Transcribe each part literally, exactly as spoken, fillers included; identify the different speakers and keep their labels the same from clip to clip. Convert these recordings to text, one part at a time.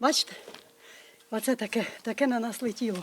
Speaker 1: Бачите? Оце таке, таке на нас летіло.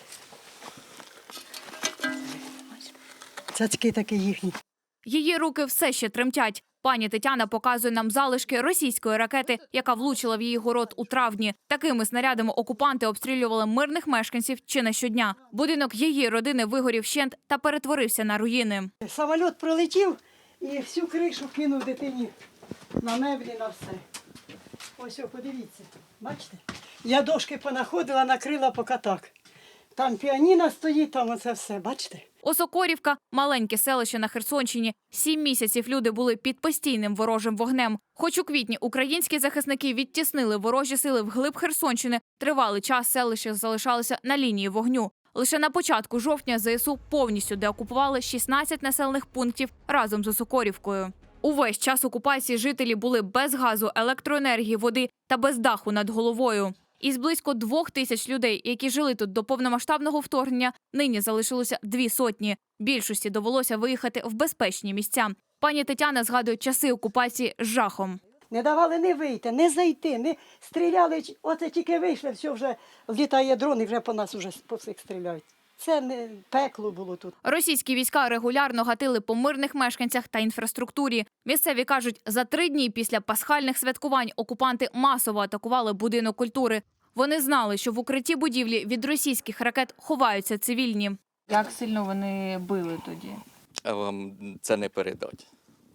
Speaker 1: Цяцьки такі їхні.
Speaker 2: Її руки все ще тремтять. Пані Тетяна показує нам залишки російської ракети, яка влучила в її город у травні. Такими снарядами окупанти обстрілювали мирних мешканців чи не щодня. Будинок її родини вигорів вщент та перетворився на руїни.
Speaker 1: Самоліт пролетів і всю кришу кинув дитині на меблі, на все. Ось, о, подивіться, бачите? Я дошки понаходила, накрила поки так. Там піаніно стоїть, там оце все, бачите?
Speaker 2: Осокорівка – маленьке селище на Херсонщині. Сім місяців люди були під постійним ворожим вогнем. Хоч у квітні українські захисники відтіснили ворожі сили вглиб Херсонщини, тривалий час селище залишалося на лінії вогню. Лише на початку жовтня ЗСУ повністю деокупували шістнадцять населених пунктів разом з Осокорівкою. Увесь час окупації жителі були без газу, електроенергії, води та без даху над головою. Із близько двох тисяч людей, які жили тут до повномасштабного вторгнення, нині залишилося дві сотні. Більшості довелося виїхати в безпечні місця. Пані Тетяна згадує часи окупації з жахом.
Speaker 1: Не давали не вийти, не зайти, не стріляли. Оце тільки вийшли, все вже літає дрон і вже по нас вже по всіх стріляють. Це не пекло було тут.
Speaker 2: Російські війська регулярно гатили по мирних мешканцях та інфраструктурі. Місцеві кажуть, за три дні після пасхальних святкувань окупанти масово атакували будинок культури. Вони знали, що в укритті будівлі від російських ракет ховаються цивільні.
Speaker 3: Як сильно вони били тоді?
Speaker 4: А вам це не передать.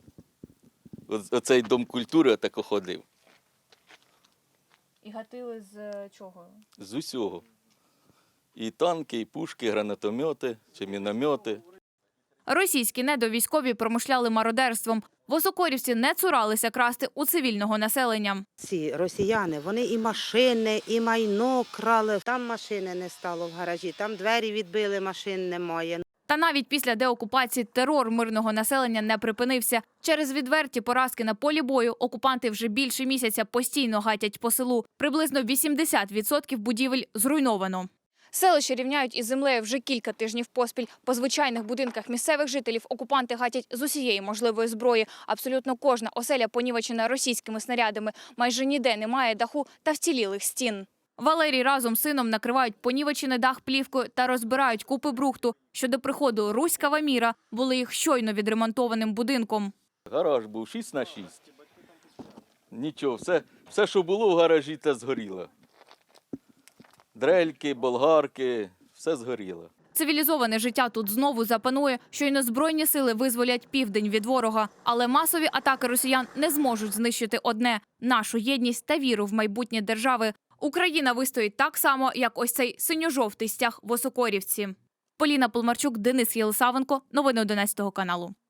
Speaker 4: Оцей дом культури отако ходив.
Speaker 3: І гатили з чого?
Speaker 4: З усього. І танки, і пушки, і гранатомети, чи міномети.
Speaker 2: Російські недовійськові промишляли мародерством. В Осокорівці не цуралися красти у цивільного населення.
Speaker 5: Ці росіяни, вони і машини, і майно крали. Там машини не стало в гаражі, там двері відбили, машин немає.
Speaker 2: Та навіть після деокупації терор мирного населення не припинився. Через відверті поразки на полі бою окупанти вже більше місяця постійно гатять по селу. Приблизно вісімдесят відсотків будівель зруйновано. Селище рівняють із землею вже кілька тижнів поспіль. По звичайних будинках місцевих жителів окупанти гатять з усієї можливої зброї. Абсолютно кожна оселя понівечена російськими снарядами. Майже ніде немає даху та вцілілих стін. Валерій разом з сином накривають понівечений дах плівкою та розбирають купи брухту, що до приходу руського міра були їх щойно відремонтованим будинком.
Speaker 4: Гараж був шість на шість. Нічого, все, все, що було в гаражі, те згоріло. Дрельки, болгарки, все згоріло.
Speaker 2: Цивілізоване життя тут знову запанує, щойно збройні сили визволять південь від ворога. Але масові атаки росіян не зможуть знищити одне – нашу єдність та віру в майбутнє держави. Україна вистоїть так само, як ось цей синьо-жовтий стяг в Осокорівці. Поліна Полмарчук, Денис Єлисавенко. Новини одинадцятого каналу.